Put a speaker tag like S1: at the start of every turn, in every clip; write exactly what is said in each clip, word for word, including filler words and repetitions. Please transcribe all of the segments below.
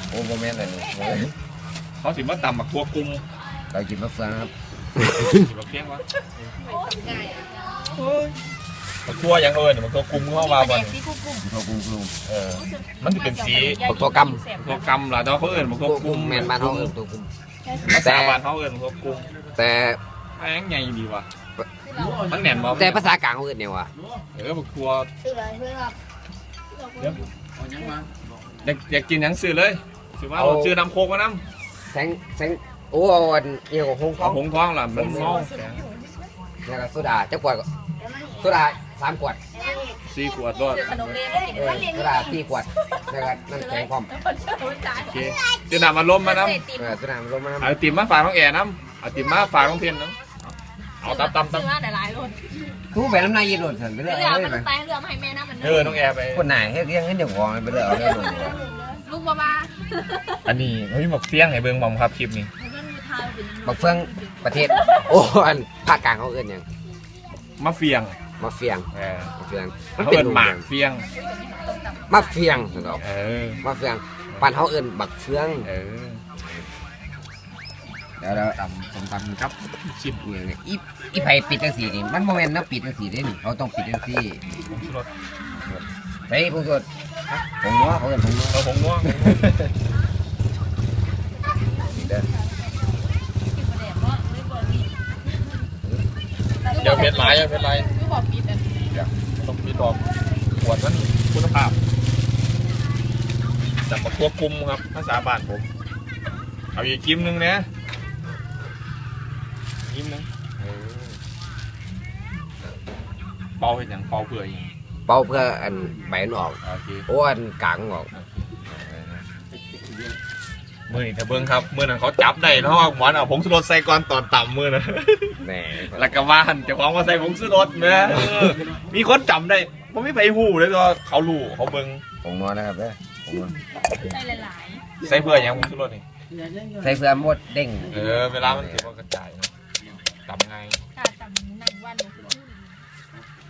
S1: โอ้โหแม่นเลยนี่
S2: เขาสิมาตำบักทั่วกุ้ง
S1: เรากินมะเฟืองครับ
S2: สิบักเพียงวะบักทั่วยังเอิญบักทั่วกุ้งเข้ามาบ่น
S1: ทอกุ้งกุ้ง
S2: เออมันจะเป็นสี
S1: บักทอก
S2: ทั่วกำล่ะแต่เขาเอิญบักทั่ว
S1: ำ
S2: กุ้ง
S1: แม่นบ้านเขาเอิ้นตัวกุ้ง
S2: ภาษาบ้านเขาเอิญบักทั่วกุ้ง
S1: แต่
S2: แม่งใหญ่ดีว่ะมันแน่นบ่
S1: แต่ภาษากลางเขาเอิ้นเนี่ยวะ
S2: เออบักทั่ว
S3: ซื้อเลยซื้อครับ
S2: อยากอยากกินหยังซื้อเลยซื้อว่าเราซื้อน้ำโคกมาน้
S1: แสงแสงโอ้เอาอันเอี่ยวของหง
S2: ำ
S1: ท้อ
S2: เอา
S1: ง
S2: หงท้องล่ะมันเมา
S1: แล้วก็โซดาเจ้ากวดโซดาสามขวด
S2: สี่ขวดรอด
S3: ขนมเรียนให้กิน
S1: เออโซดาสี่ขวดแล้วก็น้ำแข็งพร้อม
S2: โอเคซื้อน้ำมาล้มมาน้
S1: เออโซดามันลงมา
S2: ำเอาติ่มมาฝากน้องแอร์น้ำเอาติ่มมาฝากน้องเพียนน้ำเอาตำตำ
S3: ซื้อ
S2: ตำ
S3: มาแต่หลายรถ
S1: ทุกไปน้ำนายยีนหลุดสันไปเรื่อย
S3: เรือ
S1: เล
S3: มัน
S1: ย
S3: ไปเรือมาให้แม่นะมัน
S2: เออน้องแอร์ไป
S1: คนไหนให้เลี้ยงให้เด็กวองไปเรื่อยเอาเรื่อยลง
S3: ลูกบ้าบ้า
S2: อันนี้เฮ้ยหมกเฟี้ยงให้เบิ่งบอมครับคลิปนี้
S1: บักเฟืองประเทศโอ้อันภาคกลางเขาเอิ้นหยัง
S2: มะเฟียง
S1: มะเฟียง
S2: เออ
S1: มะเฟียง
S2: เขาเอิ้นหมากเฟี้ยง
S1: มะเฟียงนะครับ
S2: เออ
S1: มะเฟียงบ้านเขาเอิ้นบักเฟือง
S2: เออ
S1: เดี๋ยวเราตำส้มตำครับชิมเนี่ยเนี่ยอีอีไผ่ปิดจังสีนี่มันโมเมนต์นะปิดจังสีได้นี่เขาต้องปิดจังสี
S2: รส
S1: ใส่ผงชูรสผงนัวเขาเอิ้นผงนัว
S2: เราผงนัว
S1: เด้อ
S2: เดี๋ยวเพชรลายเดี๋ยวเพชรลาย
S3: คือบอกปิดอัน
S2: ต้องมีบอกขวดนั้นคุณภาพจากบักทั่วกุมครับภาษาบ้านผมเอาอีกกิ้มนึงนะกิ้มนึงเออเป่าเป็นอย่างเป่าเปื่อยอย่าง
S1: เป่าเพื่ออันใบมันออก
S2: โอเค
S1: โอ้อันกลางมันออก
S2: มือนี่ถ้าเบิ้งครับมือนั้นเขาจับได้เพราะว่าหมอนเอาผงชูรสใส่ก่อนตอนต่ำมือนะ
S1: แหน่
S2: แล้วก็ว่าหันเจ้าของมาใส่ผงชูรสนะเออมีคนจำได้ผมไม่ไปหูเลยก็เขารู้เขาเบิ้ง
S1: ผงนัวนะครับเด้อผงนัว
S3: ใส่หลาย
S2: ใส่เพื่ออย่างผงชูรสนี่
S1: ใส่เพื่อหมดเด้ง
S2: เออเวลามันถือว่ากระจายนะจำไง
S3: ๆถ้าจำนั่งวันเลยคือ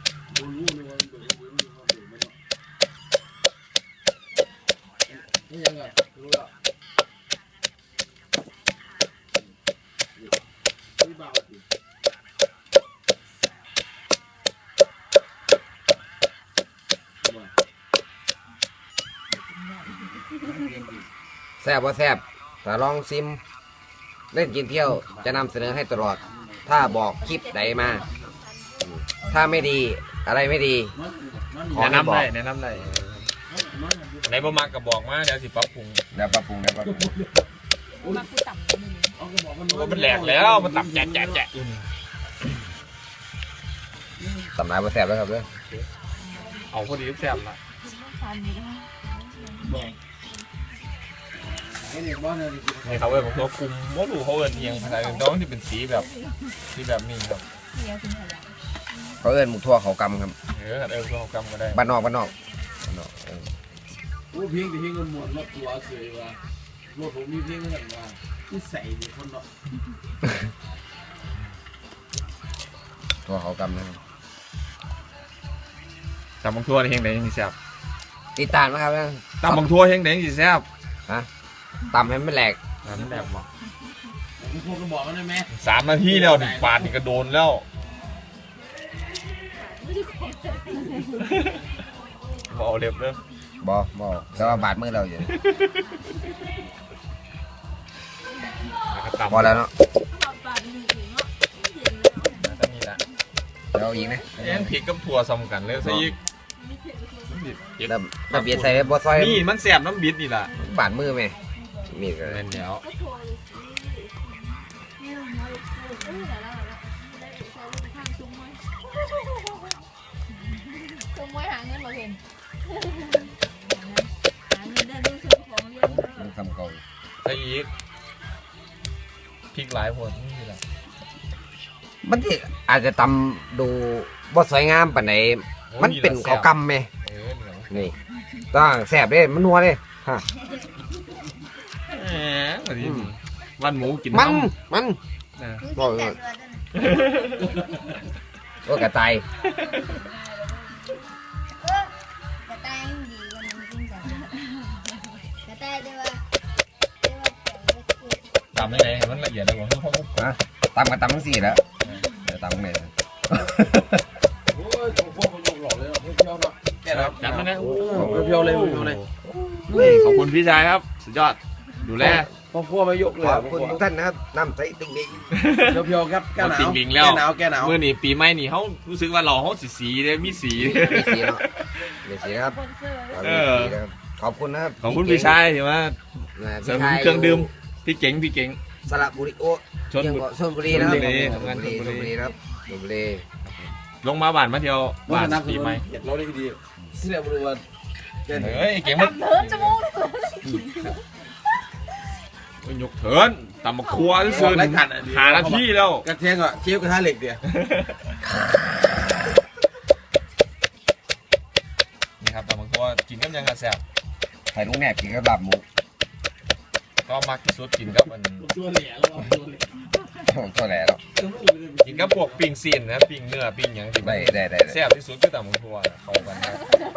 S1: แซ่บว่าแซ่บถ้าลองซิมเล่นกินเที่ยวจะนำเสนอให้ตลอด ถ้าบอกคลิปใดมาอืมถ้าไม่ดีอะไรไม่ดีขอ
S2: แนะ
S1: ให้บ
S2: นำ
S1: อก
S2: ได้แนะนำได้ในบ่มักก็บอกมาเดี๋ยวสิปรับปรุง
S1: เดี๋ยวปรับปรุงเดี๋ยวปรับปรุง
S3: มาพูดต่ำนิดนึง
S2: ว่ามันแหลกแล้วมันตับแจ๊ะแจ๊ะแจ๊ะอยู่นี่
S1: สำนักว่าแซ่บแล้วครับเด้อ
S2: เอาพอดีแซ่บละ
S3: ทานนี้ได้
S2: นี่เขาเอิ้นผมตัวคุมว่าดูเขาเอิ้นเอียงภาษาอื่นต้องที่เป็นสีแบบสีแบบนี้ครับ
S3: เฮียคุณขยัน
S1: เขาเอิ้นหมูทั่วเขากำครับ
S2: เออเออเรากำก็ได้
S1: บ้านนอกบ้านนอกบ้านนอกเออ
S4: โอ้เพียงแต่เพียงกันหมดรถตัวเสยว่ารถผมมีเพียงกันว่าที่ใส่เด็กคนเนาะ
S1: ทั่วเขากำนะครับ
S2: ตำบังทั่วเฮงไหนยังสิแซ่บ
S1: ติดตามนะครับเด้อ
S2: ตำบังทั่วเฮงไหนยังสิแซ่บ
S1: ฮะตำให้มันแหลก
S2: น้ำแดงบ่
S4: คุณครูก็บอกมันได้ไหม
S2: สามนาทีแล้วนี่ปาดนี่ก็โดนแล้วบเอาเล็บเด้อบ
S1: อบอแต่ว่าบาดมือเราอยู่
S2: แล้วก็ตำ
S1: พอแล้วเนาะ
S2: จะมีละ
S1: เดี๋ยวอีกนะ
S2: แอนพริกกับถั่วซ้ำกันเลยซะอีกมันบิดเก็บ
S1: แล้วแล้วเบียดใส่บัวซอย
S2: นี่มันแซ่บน้ำบิดนี่ล่ะ
S1: บาดมือไหมมีดก็
S2: เล่นแล้ว
S3: ตัวมวยหาเงินมาเห็นหาเงินได้ดูซื้อของเรียน
S1: มันคำเก่า
S2: ซะอีกพริกหลายหัวนี่ล่ะ
S1: มันที่อาจจะตำดูบ่สวยงามปานไหนมันเป็นเขาวกำไหม
S2: เออนี่แหละ
S1: นี่ต้องแสบเด้มันนัวเด้ฮะ
S2: แหมวันนี้วันหมูกิน
S1: มัน
S2: น้
S1: มัน
S2: ำนะ
S1: บอกเลยโอ้กระต่าย
S3: กระต่ายดีกว่านี้จริงจังกระต่ายด้วยว่า
S2: ตำได้ไงมันละเอียดเลยผมเขา
S1: นะตำกับตำทั้งสี่แล้วเดี๋ยวตำเลย
S4: โอ้ยของพวกมันยกหล่อเลยเพียวเนาะแกครับ
S2: จัดมานะ
S4: เพียวเลยเพียวเลย
S2: ขอบคุณพี่ชายครับสุดยอดดูแล
S4: ของพวกไม่ยกเลย
S1: ขอบคุณทุกท่านนะครับน้ำใสติ่งดิง
S4: เพียวเพียวครับแกหนาว
S2: ติ่งดิงแล้ว
S4: แกหนาวแกหนาว
S2: เมื่อนี่ปีใหม่นี่เขารู้สึกว่าเราเขาสีสีเลยมีสี
S1: มีสีเนาะมีสีนะครับ
S3: คนเสื้อ
S1: เรามีสีนะครับขอบคุณนะครับ
S2: ขอบคุณพี่ชายที่ว่า
S1: นะ
S2: เสริ
S1: พี่
S2: ม
S1: ชาย
S2: เครื่องดื่มพี่เก๋งพี่เก๋ง
S1: สระบุรีโอ้
S2: ชน
S1: ยัง
S2: บุ
S1: บอกชลบุรีนะครับ
S2: ชลบุรี
S1: ช
S2: ทำงาน
S1: ลบุรี
S2: ชลบุรี
S1: ชลบุรีนะครับชลบุรี
S2: ลงมาบ้านมาเที่ยวบ้าน
S4: นับ
S2: ปีใหม่
S4: อยากเราได้ดีที่แรกบริวารแก
S2: เฮ้ยเก๋งมัน
S3: ดำเนินจมูกเลย
S2: มันยกเถินตำมะครัวที่สุดหาหน้าที่แล้ว
S4: กระเทียมอ่ะเชฟกระทะเหล็กเดียว
S2: นี่ครับตำมะครัวกินกับยังกระแซบ
S1: ใส่ลูกแหนบกินกับลาบหมู
S2: ก็มักที่สุดกินกับมัน
S4: ตัวเหลี่ยแล้วตัวเหลี่ย
S1: ก็แหละเนาะ
S2: กินกับพวกปิ้งซีนนะปิ้งเนื้อปิ้งหยังที่
S1: ได้ได้ได้
S2: แซ่บที่สุดคือตำมะครัวเข้ากันครับ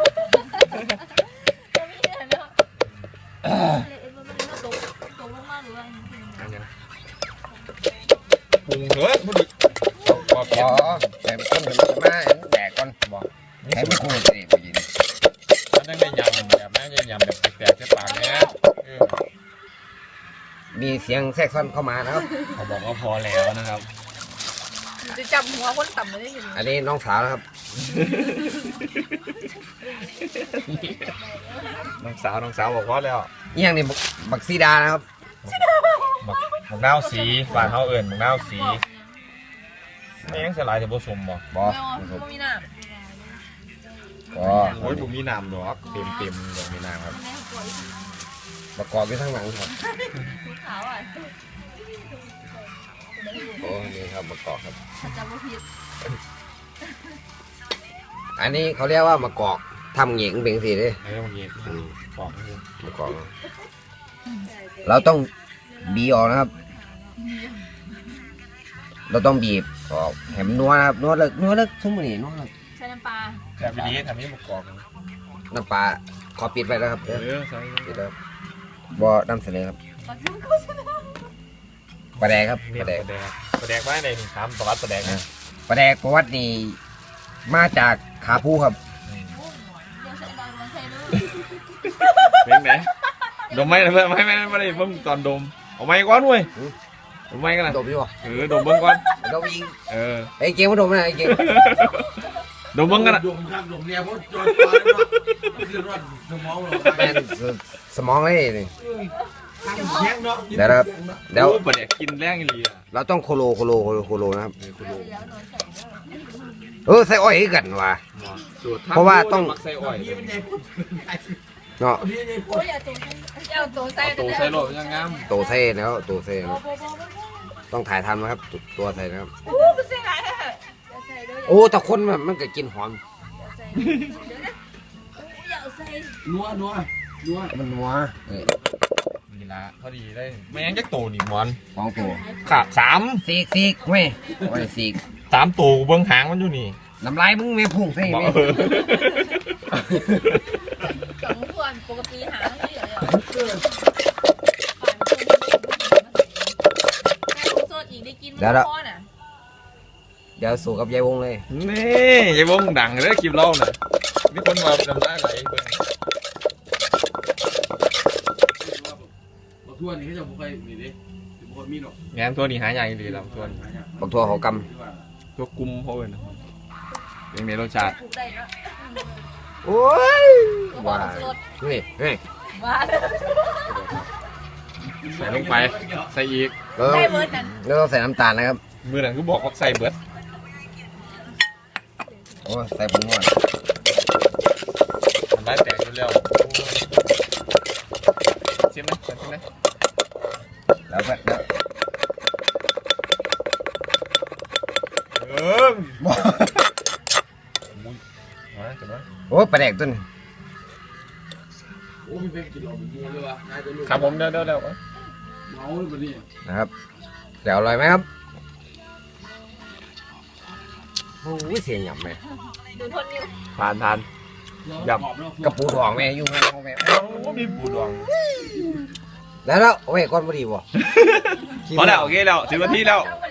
S3: จะมีเนี่ยเนาะเอ๊ะมันมันตกตกลงมาหรือว่า
S2: อันยังปรุงเถอะพอดีพอเพีย
S1: อ๋
S2: ง
S1: อแต่ต้นถึงจะมาแดกก่อน
S2: บอก
S1: ให้มันคู่สิผู้หญิง
S2: มันต้องได้ยำแบบไม่ได้ยำแบบแตกๆใส่ปากเนี้ยเออ
S1: มีเสียงแทรกซ้อนเข้ามานะครับ
S2: เขาบอกว่าพอแล้วนะครับ
S3: จะจับหัวคนต่ำเลยได้ยังไง
S1: อันนี้น้องสาวนะครับ
S2: น้องสาวน้องสาวบอกพอแล้ว
S1: นี่ยังนี่บักบักซีดานะครับ
S2: บักบักนาวสีบ้านเฮาเอิ้นบักนาวสีไม่ยังสลายแต่ผสมบ่
S1: บอ
S3: ไม่เอาไม่มีน้ำ
S1: ก็
S2: โอ้ยผมมีน้ำดอกเต็มเต็มๆดอกมีน้ำครับ
S3: แม่ปวด
S1: ประกอบอยู่ทั้งหลังครับ
S3: ทุกขาวอ่ะ
S1: โอ้นี่ครับประกอบครับ
S3: ถ้าจำไม่ผิด
S1: อันนี้เขาเรียกว่ามะกอกทำเหงียงเป็นสีเลย
S2: ไอ้ตรงนี้ปอกให้ดู
S1: มะกอกเราต้องบีบออกนะครับ เราต้องบีบออกแหมนนัวนะครับนัวเลิกนัวเลิกทุ่มนี่นัวเลิก
S3: ใช้น้ำปลา
S2: แต่ปีนี้ทำให้ประกอบ
S1: น้ำปลาขอปิดไปแล้วครับ
S2: เอ
S1: เดี๋ยว
S2: อใส่
S1: ปิดแล้วบอนำเสนอครับ
S3: ปลาทุ่งก็ชนะ
S1: ปลาแดกครับ
S2: เนี่
S1: ป
S2: ย
S1: ลาแดก
S2: ปลาแดกปลาแดกบ้านไหนนี่ถามประวัติปลาแดกนะ
S1: ปลาแดกประวัตินี่มาจากขาผู้ครับ
S3: เดี๋ยวใส่ดอยมันใส่ด้วย
S2: เป็นไงดมไหมนะเพื่อนไม่ไม่ไม่ได้เพิ่งตอนดมเอาไม้ก้อนเว้ยดมไม้กันนะ
S1: ดมอยู่บ่
S2: เออดมเบิ้งก่อน
S1: ดมอีก
S2: เออ
S1: ไอ้เก่งมาดมนะไอ้เก่ง
S2: ดมเบิ้งกันนะ
S4: ดมข้างดมเนี่ยเพราะจอดฟ้าเนาะคือรอดสมองเรา
S1: เป็นสมองเลยนี่
S4: ข้างแข็งเนาะ
S1: เดี๋ยวนะครับเดี๋ยว
S2: โอ้ปลาแดกกินแรงอีหลีอ่ะ
S1: เราต้องโคโลโคโลโคโลโคโลนะครับ
S3: เดี๋ยวหนูใส่ด้วย
S1: เออใส่อ้อยให้กันว่ะ
S2: สูตร
S1: เพราะว่าต้อง
S2: มักใส่อ้อย
S4: พี่มันใหญ่ปุ๊บ
S1: เนาะ
S4: พี่ใหญ่ปุ๊
S3: โอ้
S4: บ
S3: ยอย่าตัวอย่าตัวใส่
S2: เอาตัวใส่โลดยังงาม
S1: โตเซ่แล้วโตเซ่
S3: โอ้
S1: แล้ว
S3: โหโอ้โห
S1: ต้องถ่ายทันนะครับตัวใส่นะครับ
S3: โอ้โหเป็นยังไงอะอย่าใส่ด้วย
S1: โอ้แต่คนมันมันก็กินหอม
S3: อย่าใส่เดี๋ยวนะอย่าใส่
S4: นัวนัวนัว
S1: มันนัวเออ
S2: นี่ละพอดีได้ไม่งั้นจะโตนี่มอน
S1: สองตัว
S2: ขาดสาม
S1: ซีกซีกเว้ยโอ้ยซีก
S2: สามตัวเบิ้งหางมันอยู่นี่
S1: น้ำลายมึงไม่พุ่งใส่
S2: บอก
S1: ไหม
S2: เออ
S3: สองส่วนปกติหาไม่เหลือเลยแม่ของโซนอีกได้กินมันพ่อน่ะ
S1: เดี๋ยวสู่กับยายวงเลย
S2: นี่ยายวงดังเลยคลิปเราน่ะมีคนมาจำได้ไหลเบิ่ง
S4: บอกทั่วนี่เขาจะบอกไปนี่ดิบอกมีหรอก
S2: งานตัวนี้หายากดีแล้วตัวนี้
S1: บักทั่วเขาก
S2: ตัวกุมเขาเลยนะเป็นไงรสชาติ
S3: ปลูกได้เนาะ
S1: ำโอ้ย
S3: ว่า
S1: ว้า
S3: สด
S1: นี่นี่
S3: ว่า
S2: ใส่ลงไปใส่อีก
S1: เราต้อง
S3: ได้เบิร์ดนั่น
S1: เราต้องใส่น้ำตาลนะครับ
S2: มือหนังก็บอกว่าใส่เบิด
S1: โอ้ยใส่ผงนวด
S2: ทำได้แตกเร็วๆชิมไหมชิมไหม
S1: แล้วก็แล้ว
S2: เออมุ้ยมาจับมา
S1: โอ้ยปลาแดกตัวนี้
S4: โอ้มีเป็นกินหลอกเป็นมูเลยวะนายตัวลูก
S2: ครับผมเดี๋ยวเดี๋ยวเดี๋ยว
S4: เมาเลยปะเนี่ย
S1: นะครับเดี๋ยวอร่อยไหมครับโอ้ยเสียงหยำไหม
S3: ดูทนอยู่
S2: ทานทาน
S1: กระปูทองแม่อยู่ข้างนอกแม่
S2: โอ้มีปูดอง
S1: แล้วแล้วเอาไว้ก่อนบ่ดีบ่
S2: พอแล้วโอเคแล้วสิบนาทีแล้ว
S3: เ